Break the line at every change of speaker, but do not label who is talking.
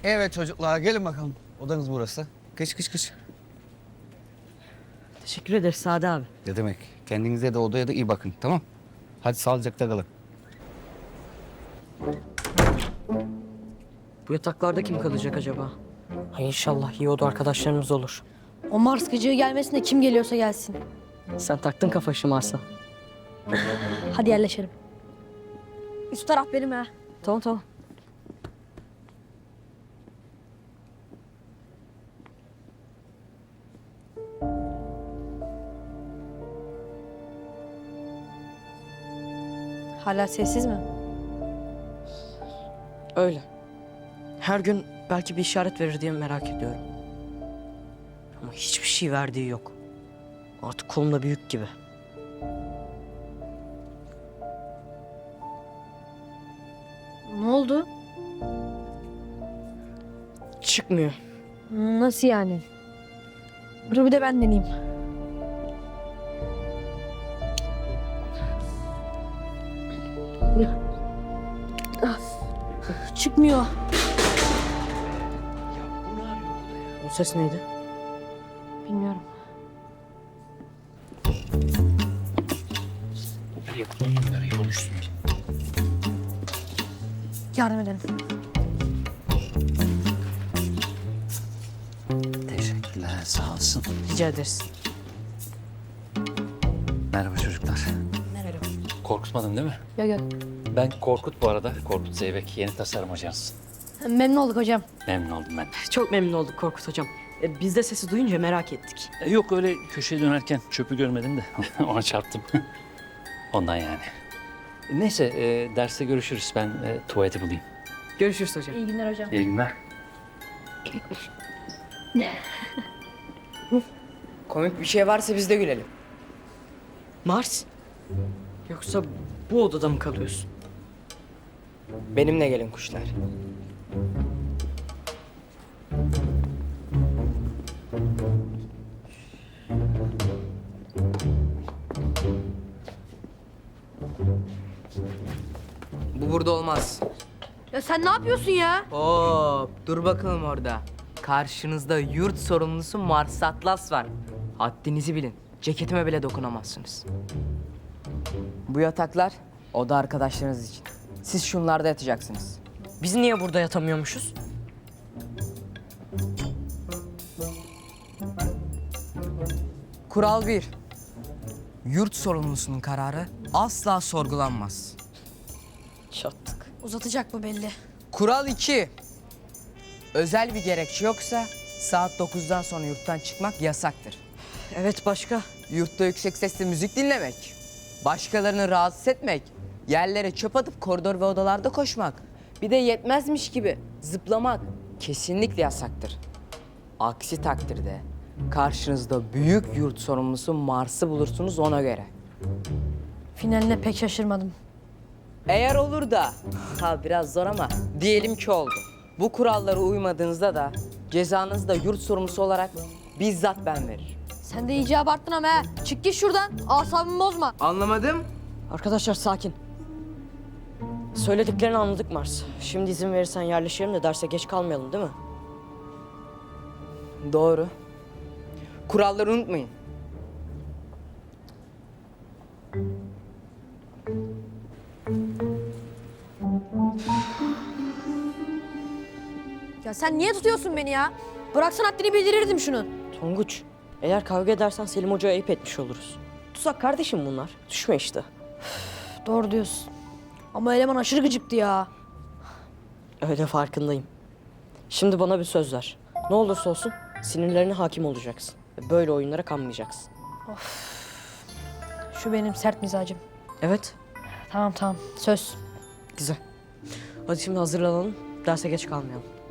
Evet çocuklar gelin bakalım. Odanız burası. Kış kış kış.
Teşekkür ederiz Sade abi.
Ne demek? Kendinize de odaya da iyi bakın, tamam? Hadi sağlıcakla kalın.
Bu yataklarda kim kalacak acaba? Ay inşallah iyi oda arkadaşlarımız olur.
O Mars gıcığı gelmesin de kim geliyorsa gelsin.
Sen taktın kafa şu Mars'a.
Hadi yerleşelim. Üst taraf benim ha.
Tamam tamam.
Hala sessiz mi?
Öyle. Her gün belki bir işaret verir diye merak ediyorum. Ama hiçbir şey verdiği yok. Artık kolumda büyük gibi.
Ne oldu?
Çıkmıyor.
Nasıl yani? Dur bir de ben deneyeyim. Çıkmıyor.
O ses neydi?
Bilmiyorum. Yardım edelim.
Teşekkürler, sağ olsun.
Rica ederiz.
Merhaba çocuklar.
Merhaba.
Korkutmadın değil mi?
Yok yok.
Ben Korkut bu arada. Korkut Zeybek, yeni tasarım ajansı.
Memnun olduk hocam.
Memnun oldum ben.
Çok memnun olduk Korkut hocam. Biz de sesi duyunca merak ettik.
Yok öyle köşeye dönerken çöpü görmedim de ona çarptım. Ondan yani. Neyse derste görüşürüz. Ben tuvaleti bulayım.
Görüşürüz hocam.
İyi günler hocam.
İyi günler.
Komik bir şey varsa biz de gülelim.
Mars? Yoksa bu odada mı kalıyorsun?
Benimle gelin kuşlar. Bu burada olmaz.
Ya sen ne yapıyorsun ya?
Hop, dur bakalım orada. Karşınızda yurt sorumlusu Mars Atlas var. Haddinizi bilin. Ceketime bile dokunamazsınız. Bu yataklar oda arkadaşlarınız için. Siz şunlarda yatacaksınız.
Biz niye burada yatamıyormuşuz?
Kural 1. Yurt sorumlusunun kararı asla sorgulanmaz.
Çattık.
Uzatacak bu belli.
Kural 2. Özel bir gerekçe yoksa saat 9'dan sonra yurttan çıkmak yasaktır.
Evet başka?
Yurtta yüksek sesle müzik dinlemek, başkalarını rahatsız etmek, yerlere çöp atıp koridor ve odalarda koşmak, bir de yetmezmiş gibi zıplamak kesinlikle yasaktır. Aksi takdirde karşınızda büyük yurt sorumlusu Mars'ı bulursunuz ona göre.
Finaline pek şaşırmadım.
Eğer olur da, biraz zor ama diyelim ki oldu. Bu kurallara uymadığınızda da cezanızı da yurt sorumlusu olarak bizzat ben veririm.
Sen de iyice abarttın ama ha. Çık git şuradan. Asabımı bozma.
Anlamadım.
Arkadaşlar sakin. Söylediklerini anladık Mars. Şimdi izin verirsen yerleşelim de derse geç kalmayalım değil mi?
Doğru. Kuralları unutmayın.
Ya sen niye tutuyorsun beni ya? Bıraksan haddini bildirirdim şunu.
Tonguç, eğer kavga edersen Selim Hoca'ya ayıp etmiş oluruz. Tuzak kardeşim bunlar. Düşme işte.
Doğru diyorsun. Ama eleman aşırı gıcıktı ya.
Öyle farkındayım. Şimdi bana bir söz ver. Ne olursa olsun sinirlerine hakim olacaksın. Ve böyle oyunlara kanmayacaksın.
Şu benim sert mizacım.
Evet,
Tamam tamam söz.
güzel. Hadi şimdi hazırlanalım. Derse geç kalmayalım.